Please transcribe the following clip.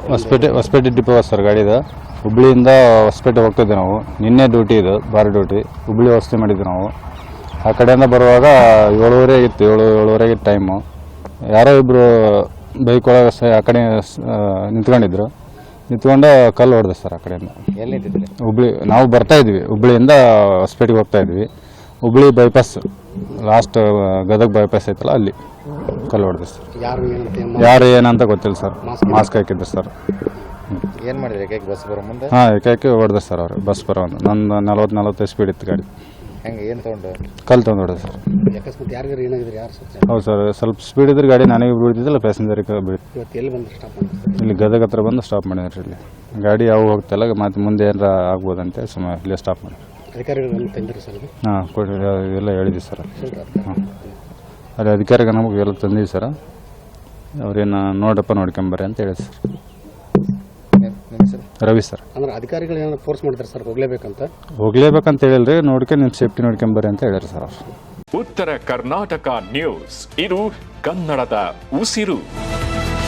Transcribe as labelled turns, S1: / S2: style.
S1: Hosapete depot sir ಗಾಡಿದು. ಹುಬ್ಳಿಯಿಂದ ಹೊಸಪೇಟೆ ಹೋಗ್ತಿದ್ದೆ ನಾವು. ನಿನ್ನೆ ಡ್ಯೂಟಿ ಇದು, ಬಾರ್ ಡ್ಯೂಟಿ. ಹುಬ್ಳಿ ವ್ಯವಸ್ಥೆ ಮಾಡಿದ್ವಿ ನಾವು. ಆ ಕಡೆಯಿಂದ ಬರುವಾಗ 7:30 ಆಗಿತ್ತು, 7:30 ಟೈಮು. ಯಾರೋ ಇಬ್ಬರು ಬೈಕ್ ಒಳಗೆ ಆ ಕಡೆ ನಿಂತ್ಕೊಂಡು ಕಲ್ಲು ಹೊಡೆದೆ ಸರ್. ಆ ಕಡೆಯಿಂದ ಹುಬ್ಳಿ ನಾವು ಬರ್ತಾ ಇದ್ವಿ, ಹುಬ್ಳಿಯಿಂದ ಹೊಸಪೇಟೆಗೆ ಹೋಗ್ತಾ ಇದ್ವಿ. Hubli bypass last Gadag bypass ಐತಲ್ಲ, ಅಲ್ಲಿ ಕಲ್ಲು ಹೊಡೆದೆ ಸರ್. ಯಾರು ಏನಂತ ಗೊತ್ತಿಲ್ಲ ಸರ್. ಮಾಸ್ಕ್ ಹಾಕಿದ್ರು ಸರ್.
S2: ಏನು ಮಾಡಿದ್ರಿ ಏಕಾಏಕಿ ಬಸ್ ಬರೋ ಮುಂದೆ?
S1: ಹಾಂ, ಏಕಾಏಕಿ ಹೊಡೆದೆ ಸರ್ ಅವರು. ಬಸ್ ಬರೋ ಒಂದು ನಂದು 40-45 ಸ್ಪೀಡ್ ಇತ್ತು ಗಾಡಿ.
S2: ಹೆಂಗೆ ಏನು ತೊಗೊಂಡು?
S1: ಕಲ್ಲು ತೊಗೊಂಡು ಹೊಡೆದೆ ಸರ್. ಹೌದು ಸರ್, ಸ್ವಲ್ಪ ಸ್ಪೀಡ್ ಇದ್ರೆ ಗಾಡಿ ನನಗೆ ಬೀಳ್ತಿದ್ದಿಲ್ಲ, ಪ್ಯಾಸೆಂಜರಿಗೆ ಬೀಳ್ತಿತ್ತು. ಇಲ್ಲಿ ಗದಗ ಹತ್ರ ಬಂದು ಸ್ಟಾಪ್ ಮಾಡಿದ್ರಿ. ಇಲ್ಲಿ ಗಾಡಿ ಯಾವ ಹೋಗ್ತಿಲ್ಲ, ಮತ್ತು ಮುಂದೆ ಏನಾರ ಆಗ್ಬೋದಂತೆ ಸುಮ್ಮನೆ ಇಲ್ಲೇ ಸ್ಟಾಪ್ ಮಾಡಿ. ಹಾಂ, ಎಲ್ಲ ಹೇಳಿದ್ವಿ ಸರ್. ಹಾಂ, ಅಲ್ಲಿ ಅಧಿಕಾರಿಗೆ ನಮಗೆ ಎಲ್ಲ ತಂದಿದ್ವಿ ಸರ್. ಅವ್ರೇನು ನೋಡ್ಕೊಂಬರ್ರಿ ಅಂತ ಹೇಳಿ ಸರ್. ರವಿ ಸರ್.
S3: ಅಂದ್ರೆ ಅಧಿಕಾರಿಗಳು ಏನಾದ್ರು ಫೋರ್ಸ್ ಮಾಡ್ತಾರೆ ಸರ್
S1: ಹೋಗ್ಲೇಬೇಕಂತ ಹೇಳಿಲ್ರಿ, ನಿಮ್ಮ ಸೇಫ್ಟಿ ನೋಡ್ಕೊಂಬರ್ರಿ ಅಂತ ಹೇಳ್ಯಾರ ಸರ್.
S4: ಉತ್ತರ ಕರ್ನಾಟಕ ನ್ಯೂಸ್, ಇದು ಕನ್ನಡದ ಉಸಿರು.